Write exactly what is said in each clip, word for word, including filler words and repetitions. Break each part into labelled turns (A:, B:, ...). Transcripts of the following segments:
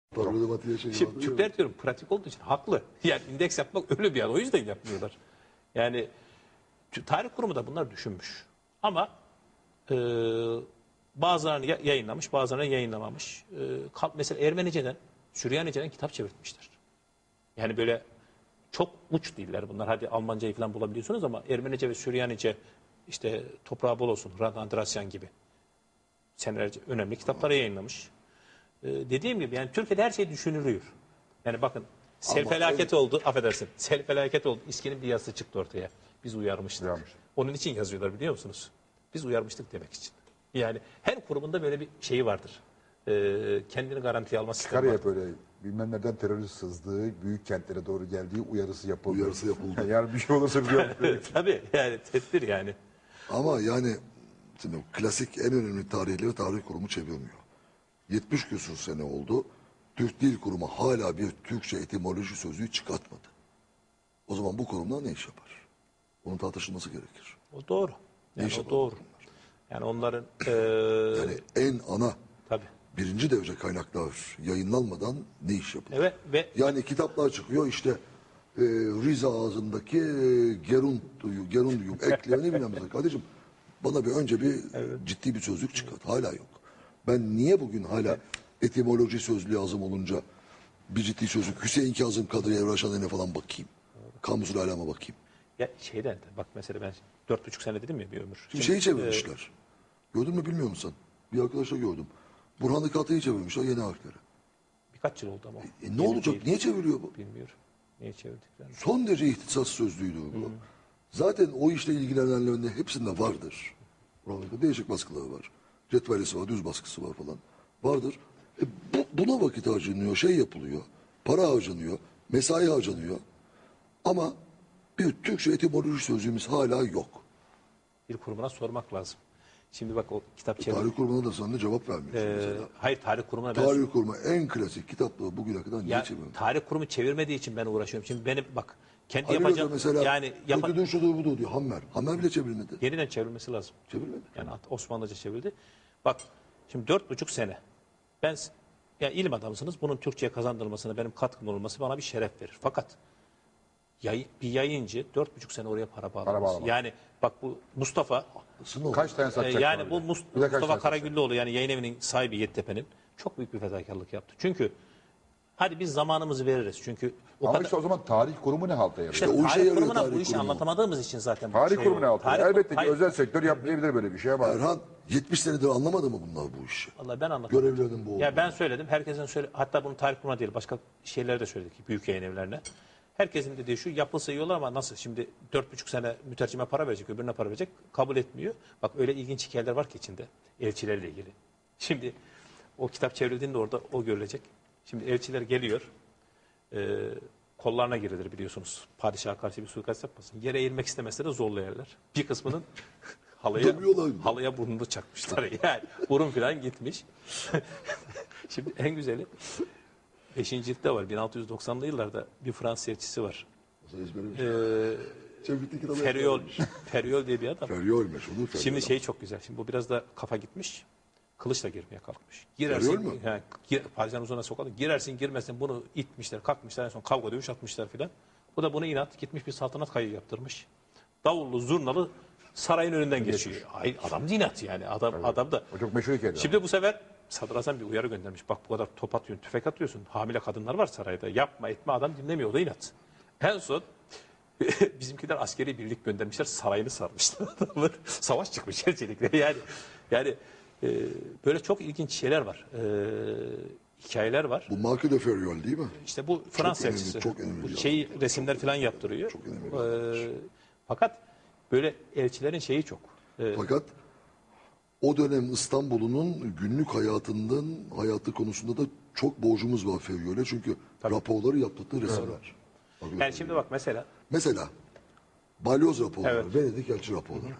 A: Problematiğe şey
B: Şimdi
A: vardı
B: Türkler diyorum pratik olduğu için haklı. Yani indeks yapmak öyle bir yer. O yüzden yapmıyorlar. Yani tarih kurumu da bunlar düşünmüş. Ama e, bazılarını ya- yayınlamış, bazılarını yayınlamamış. E, kal- mesela Ermenice'den, Süryanice'den kitap çevirtmişler. Yani böyle çok uç diller bunlar. Hadi Almancayı falan bulabiliyorsunuz ama Ermenice ve Süryanice işte toprağı bol olsun, Rad Andrasyan gibi senelerce önemli kitapları yayınlamış. Ee, dediğim gibi yani Türkiye'de her şey düşünülüyor. Yani bakın sel
A: Ama
B: felaket
A: en-
B: oldu, affedersin. Sel felaket oldu. İSKİ'nin bir yazısı çıktı ortaya. Biz uyarmıştık.
C: Uyarmış.
B: Onun için yazıyorlar biliyor musunuz? Biz uyarmıştık demek için. Yani her kurumunda böyle bir şeyi vardır. Ee, kendini garantiye alma sistemi
C: Çıkar ya
B: vardır.
C: böyle bilmem nereden terörist sızdığı, büyük kentlere doğru geldiği uyarısı yapıldı.
A: Uyarısı yapıldı.
C: Yani bir şey olursa bir yapıyor.
B: Tabii yani tedbir yani.
A: Ama yani şimdi klasik en önemli tarihleri tarih kurumu çevirmiyor. yetmiş küsur sene oldu. Türk Dil Kurumu hala bir Türkçe etimoloji sözlüğü çıkartmadı. O zaman bu kurumlar ne iş yapar? Bunun tartışılması gerekir.
B: O doğru.
A: Ne
B: Yani
A: iş
B: o
A: yapar
B: doğru.
A: bunlar?
B: Yani onların e,
A: Yani en ana
B: tabii.
A: birinci derece kaynaklar yayınlanmadan ne iş yapılır?
B: Evet ve
A: Yani kitaplar çıkıyor işte e, Rize ağzındaki e, Gerunduyu, Gerunduyu eklerini bilmem ne. Kardeşim bana bir önce bir ciddi bir sözlük çıkart. Hala yok. Ben niye bugün hala etimoloji sözlüğü azım olunca bir ciddi sözlük Hüseyin Kazım Kadri Evraşan'a falan bakayım. Kamusul alama bakayım.
B: ya şeyden de bak mesela ben dört buçuk sene dedim ya bir ömür.
A: Şimdi
B: Şimdi,
A: şeyi çevirmişler. Gördün mü bilmiyor musun? Bir arkadaşla gördüm. Burhan-ı Katı'yı çevirmişler yeni harfleri.
B: birkaç yıl oldu ama.
A: E, ne
B: Yeni
A: olacak?
B: değil.
A: Niye çeviriyor bu?
B: Bilmiyorum. Niye çevirdiklerini.
A: Son derece ihtisas sözlüğüydü bu. Zaten o işle ilgilenenlerin hepsinde vardır. Buralarda değişik baskıları var. Cetvelisi var, düz baskısı var falan. Vardır. E, bu, buna vakit harcanıyor, şey yapılıyor. Para harcanıyor, mesai harcanıyor. Ama bir Türkçe etimoloji sözlüğümüz hala yok.
B: Bir kurumuna sormak lazım. Şimdi bak o kitap çevir.
A: Tarih kurumuna da sana cevap vermiyorsun
B: Ee,
A: mesela.
B: hayır tarih kurumuna ben
A: Tarih kurumu en klasik kitapları bugüne kadar niye
B: ya,
A: çevirmiyor?
B: tarih kurumu çevirmediği için ben uğraşıyorum. Şimdi benim bak kendi
A: Ali Hoca
B: yapacağım
A: mesela
B: yani yapa,
A: kötüdür şudur budur diyor. Hammer. Hammer bile çevrilmedi.
B: yeniden çevrilmesi lazım.
A: Çevrilmedi.
B: Yani Osmanlıca çevrildi. Bak şimdi dört buçuk sene. Ben ya ilim adamısınız. Bunun Türkçe'ye kazandırılmasına benim katkım olması bana bir şeref verir. Fakat yay, bir yayıncı dört buçuk sene oraya para bağlamaz.
C: bağlamaz.
B: Yani bak bu Mustafa
A: Sınır o.
C: Kaç tane
B: e,
C: satacak?
B: yani
C: var
B: bu
C: bir de?
B: Mus-
C: Bir de kaç
B: Mustafa
C: tane satacak?
B: Karagüllüoğlu yani yayın evinin sahibi Yeditepe'nin çok büyük bir fedakarlık yaptı. Çünkü hadi biz zamanımızı veririz. Çünkü o
C: Ama
B: kadar
C: işte o zaman tarih kurumu ne halta yarıyor?
B: işte
A: o işe
B: tarih
A: yarıyor
B: kurumuna
A: tarih
B: bu işi
A: kurumu.
B: anlatamadığımız için zaten bu
C: Tarih
B: şey
C: kurumu ne
B: oldu.
C: halta
B: Tarih-
C: yarıyor? Elbette ki
B: hayır,
C: özel sektör yapmayabilir böyle bir şey ama
A: Erhan yetmiş senedir anlamadı mı bunlar bu işi?
B: Vallahi ben anlatamadım.
A: Görevlerinin bu olduğunu.
B: Ya ben söyledim. Herkesin söyle hatta bunu tarih kurumuna değil başka şeylere de söyledik büyük yayın evlerine. Herkesin dediği şu yapılsa iyi olur ama nasıl şimdi dört buçuk sene mütercime para verecek öbürüne para verecek kabul etmiyor. Bak öyle ilginç hikayeler var ki içinde elçilerle ilgili. Şimdi o kitap çevrildiğinde orada o görülecek. Şimdi elçiler geliyor. E, kollarına girilir biliyorsunuz. Padişaha karşı bir suikast yapmasın. Yere eğilmek istemese de zorlayarlar. Bir kısmının halıya,
A: Dövüyorlar.
B: halıya burnunu çakmışlar. Yani burun falan gitmiş. Şimdi en güzeli beşinci ciltte var. bin altı yüz doksanlı yıllarda bir Fransız elçisi var.
A: Mesela ezberim.
B: Ee,
A: Çevikli kitabı
B: Feriol,
A: ezberlemiş.
B: Feriol diye bir adam.
A: Feriol meşhur. Feriol.
B: Şimdi şey çok güzel. Şimdi bu biraz da kafa gitmiş. Kılıçla girmeye kalkmış. Girersin,
A: Feriol mu?
B: he, gir, padişahın huzuruna sokalım. Girersin girmesin bunu itmişler, kalkmışlar. En son kavga dövüş atmışlar filan. Bu da buna inat gitmiş bir saltanat kayığı yaptırmış. Davullu, zurnalı sarayın önünden geçiyor. Ay, adam da inat yani. Adam, adam da.
C: o çok meşhur hikaye.
B: Şimdi bu sefer Sadrazam bir uyarı göndermiş. Bak bu kadar top atıyorsun, tüfek atıyorsun. Hamile kadınlar var sarayda. Yapma etme adam dinlemiyor. O da inat. En son bizimkiler askeri birlik göndermişler. Sarayını sarmışlar. Adamlar savaş çıkmış elçilikle. Yani yani e, böyle çok ilginç şeyler var. E, hikayeler var.
A: Bu Marque de Feriol değil mi?
B: İşte bu Fransız
A: önemli,
B: elçisi.
A: çok önemli
B: Bu
A: bir
B: şeyi resimler falan yaptırıyor.
A: Çok önemli bir
B: E, fakat böyle elçilerin şeyi çok. E,
A: Fakat o dönem İstanbul'un günlük hayatından hayatı konusunda da çok borcumuz var Feriol'e. Çünkü raporları yaptıkları resimler.
B: yani şimdi bak mesela
A: Mesela balyoz raporları,
B: Evet.
A: Venedik elçi raporları.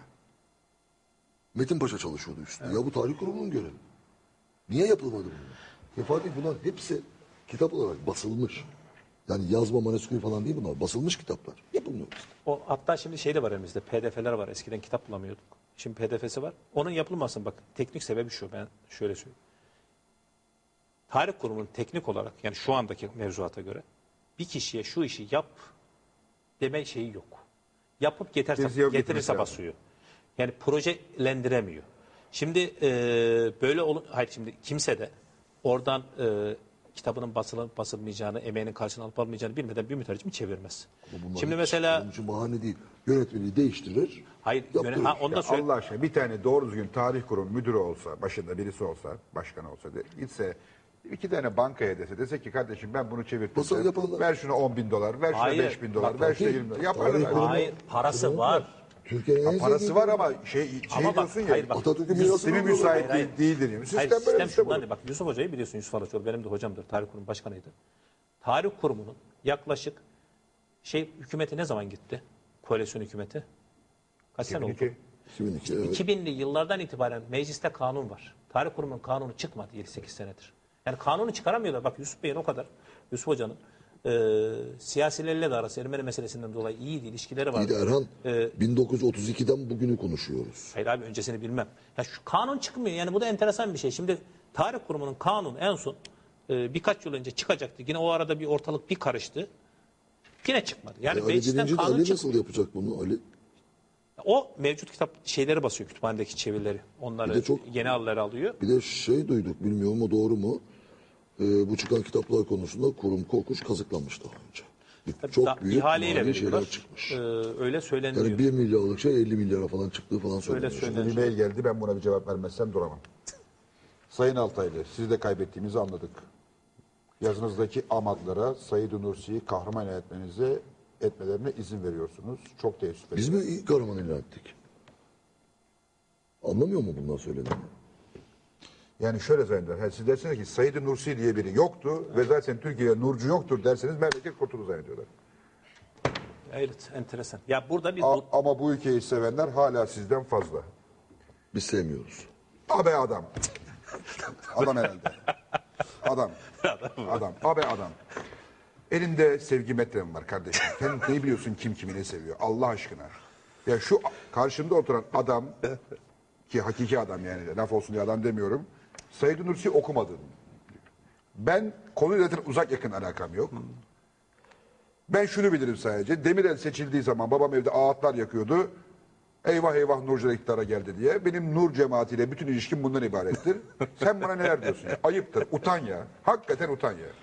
A: Metin Paşa çalışıyordu üstünde. Ya bu tarih kurumunun görevi. Niye yapılmadı bunlar? Ya Fatih bunlar hepsi kitap olarak basılmış. Yani yazma manuskript falan değil bunlar. Basılmış kitaplar. Yapılmıyor işte.
B: o hatta şimdi şey de var elimizde. P D F'ler var. Eskiden kitap bulamıyorduk. Şimdi P D F'si var. Onun yapılmasın bak. Teknik sebebi şu. Ben şöyle söyleyeyim. Tarih kurumunun teknik olarak yani şu andaki mevzuata göre bir kişiye şu işi yap deme şeyi yok. Yapıp getirse,
C: Birisi yapıp
B: getirirse
C: getirmesi
B: basıyor. Yani projelendiremiyor. Şimdi e, böyle olun, hayır şimdi kimse de oradan e, kitabının basılıp basılmayacağını, emeğinin karşılığını alıp almayacağını bilmeden bir mütercimi çevirmez.
A: Bunlar
B: Şimdi
A: hiç
B: mesela
A: onun için bahane değil. Yönetmeni değiştirir.
B: hayır
A: yaptırır.
B: yöne- ha, onu da
C: Ya
B: söyle.
C: Allah aşkına bir tane doğru düzgün tarih kurum müdürü olsa, başında birisi olsa, başkan olsa, de, gitse iki tane bankaya dese, dese ki kardeşim ben bunu çevirdim.
A: Nasıl yaparlar?
C: Ver şuna on bin dolar, ver şuna
B: Hayır,
C: beş bin dolar,
B: bak,
C: ver şuna
A: bakayım.
C: yirmi dolar. Yaparlar.
A: Tarih kurumu-
B: Hayır parası var.
A: Türkiye'nin en
C: Ha, parası
A: zengin-
C: var ama şey, şey
B: Ama bak,
C: diyorsun ya,
B: hayır bak,
A: Atatürk'ün
C: sistemi
A: mirasını
C: müsait
B: Hayır,
C: değil, değildir. Yani. Sistem
B: Hayır,
C: böyle
B: sistem
C: bir sistem
B: şundan
C: olur.
B: değil. Bak Yusuf Hoca'yı biliyorsun, Yusuf Alaçoğlu benim de hocamdır. Tarih Kurumu Başkanıydı. Tarih Kurumu'nun yaklaşık şey hükümeti ne zaman gitti? Koalisyon hükümeti. Kaç sene oldu?
C: iki bin iki.
A: iki bin iki, evet.
B: iki binli yıllardan itibaren mecliste kanun var. Tarih Kurumu'nun kanunu çıkmadı yedi sekiz senedir. Yani kanunu çıkaramıyorlar. Bak Yusuf Bey'in o kadar, Yusuf Hoca'nın e, siyasilerle de arası Ermeni meselesinden dolayı iyiydi, ilişkileri var.
A: İyi de Erhan
B: Ee,
A: bin dokuz yüz otuz ikiden bugünü konuşuyoruz.
B: Hayır abi öncesini bilmem. Ya şu kanun çıkmıyor. Yani bu da enteresan bir şey. Şimdi Tarih Kurumu'nun kanunu en son e, birkaç yıl önce çıkacaktı. Yine o arada bir ortalık bir karıştı. Yine çıkmadı. Yani
A: E, Ali
B: meclisten
A: birinci de
B: kanun
A: Ali
B: çık-
A: nasıl yapacak bunu Ali?
B: O mevcut kitap şeyleri basıyor kütüphanedeki çevirileri.
A: Bir
B: Onları
A: de çok-
B: yeni alları alıyor.
A: Bir de şey duyduk bilmiyorum o doğru mu? Ee, bu çıkan kitaplar konusunda kurum kokuş kazıklanmış daha önce. Bir- Çok
B: Da-
A: büyük
B: ihaleyle
A: mali şeyler
B: veriyorlar.
A: çıkmış.
B: Ee, öyle söyleniyor.
A: Yani bir milyarlık şey elli milyara falan çıktığı falan söyleniyor.
B: söyleniyor.
C: Bir mail geldi, ben buna bir cevap vermezsem duramam. Sayın Altaylı, sizi de kaybettiğimizi anladık. Yazınızdaki amadlara Said Nursi'yi kahraman ilan etmenize etmelerine izin veriyorsunuz. Çok teessüf
A: Biz
C: ederim.
A: mi ilk kahraman ilan ettik? Anlamıyor mu bundan söylediğini?
C: Yani şöyle zanneder. Yani siz dersiniz ki Said Nursi diye biri yoktu ve zaten Türkiye'de Nurcu yoktur derseniz memleket kurtulur zannediyorlar.
B: Evet, enteresan. Ya burada bir
C: A-
B: bu-
C: ama bu ülkeyi sevenler hala sizden fazla.
A: Biz sevmiyoruz.
C: Abe adam. Adam herhalde. Adam. Adam. Abe adam. Elinde sevgi metrem var kardeşim. Sen ne biliyorsun kim kimi ne seviyor? Allah aşkına. Ya şu karşımda oturan adam ki hakiki adam yani laf olsun diye adam demiyorum. Said Nursi okumadım. Ben konuyla zaten uzak yakın alakam yok. Ben şunu bilirim sadece. Demirel seçildiği zaman babam evde ağıtlar yakıyordu. Eyvah eyvah Nurcular iktidara geldi diye. Benim Nur cemaatiyle bütün ilişkim bundan ibarettir. Sen bana neler diyorsun ya? Ayıptır. Utan ya. Hakikaten utan ya.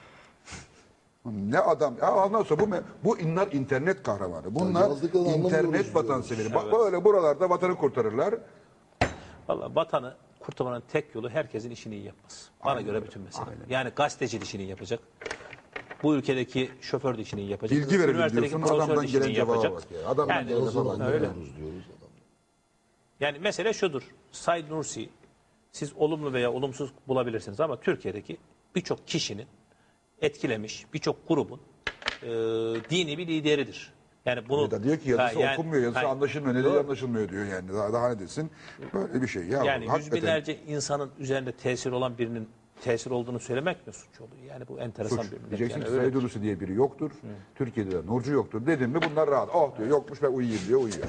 C: Ne adam. Ya ondan sonra bu, me- bu inler internet kahramanı. Bunlar
A: yazdıklarını anlamıyoruz
C: internet
A: diyoruz.
C: vatanseveri. Bak böyle buralarda vatanı kurtarırlar.
B: Vallahi vatanı kurtarmanın tek yolu herkesin işini iyi yapması. Bana göre bütün mesele. Yani gazeteci de işini iyi yapacak. Bu ülkedeki şoför de işini iyi yapacak.
C: Bilgi verelim
B: Üniversitedeki
C: diyorsun.
B: profesör de
C: Adamdan
B: işini
C: gelen
B: iyi
C: cevaba
B: yapacak.
C: bak ya. Adamdan
B: Yani-
C: gelen
A: O
C: lafa
A: zaman
C: bak.
B: Öyle.
A: anlamıyoruz diyoruz adam.
B: Yani mesele şudur. Said Nursi siz olumlu veya olumsuz bulabilirsiniz ama Türkiye'deki birçok kişinin etkilemiş, birçok grubun e, dini bir lideridir. Yani bunu
C: Bir de diyor ki yazısı
B: Ha, yani-
C: okunmuyor, yazısı
B: ha,
C: anlaşılmıyor. Ne
B: doğru.
C: dediği anlaşılmıyor diyor yani. Daha, daha ne desin? Böyle bir şey. Ya
B: Yani yüz
C: hakikaten
B: binlerce insanın üzerinde tesir olan birinin tesir olduğunu söylemek mi suç oluyor? Yani bu enteresan
C: suç.
B: bir millet.
C: Diyeceksin
B: Yani
C: ki
B: öyle.
C: Said Nursi diye biri yoktur. Türkiye'de de Nurcu yoktur. Dedim mi bunlar rahat. Oh diyor yokmuş ben uyuyayım diyor uyuyor.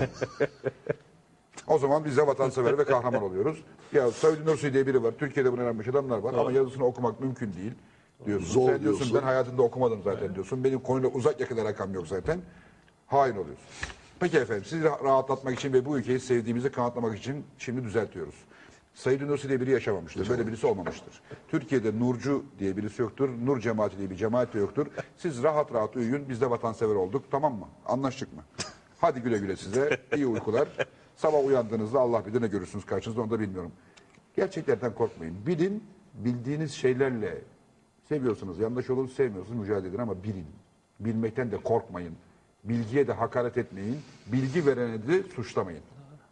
C: O zaman biz de vatansever ve kahraman oluyoruz. Ya Said Nursi diye biri var. Türkiye'de bunu öğrenmiş adamlar var ama yazısını okumak mümkün değil diyorsun.
A: Zor
C: Sen diyorsun
A: diyorsun.
C: ben hayatımda okumadım zaten diyorsun. Benim konuyla uzak yakın alakam yok zaten. Hain oluyorsun. Peki efendim sizi rah- rahatlatmak için ve bu ülkeyi sevdiğimizi kanıtlamak için şimdi düzeltiyoruz. Said Nursi diye biri yaşamamıştır. Böyle birisi olmamıştır. Türkiye'de Nurcu diye birisi yoktur. Nur cemaati diye bir cemaat de yoktur. Siz rahat rahat uyuyun. Biz de vatansever olduk. Tamam mı? Anlaştık mı? Hadi güle güle size. İyi uykular. Sabah uyandığınızda Allah bilir ne görürsünüz karşınızda onu da bilmiyorum. Gerçeklerden korkmayın. Bilin, bildiğiniz şeylerle seviyorsunuz, yanlış olur, sevmiyorsunuz, mücadele edin ama bilin. Bilmekten de korkmayın. Bilgiye de hakaret etmeyin. Bilgi verene de suçlamayın.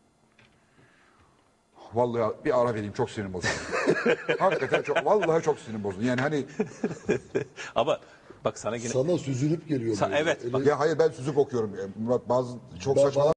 C: Vallahi bir ara vereyim çok sinirim bozuldu. Hakikaten çok, vallahi çok sinirim bozuldu. Yani hani
B: Ama bak sana yine
A: Sana süzülüp geliyor.
B: Sa-
A: böyle.
B: evet,
A: Eli-
B: bak-
C: ya hayır ben süzüp okuyorum. Murat bazı çok
A: Ben-
C: saçma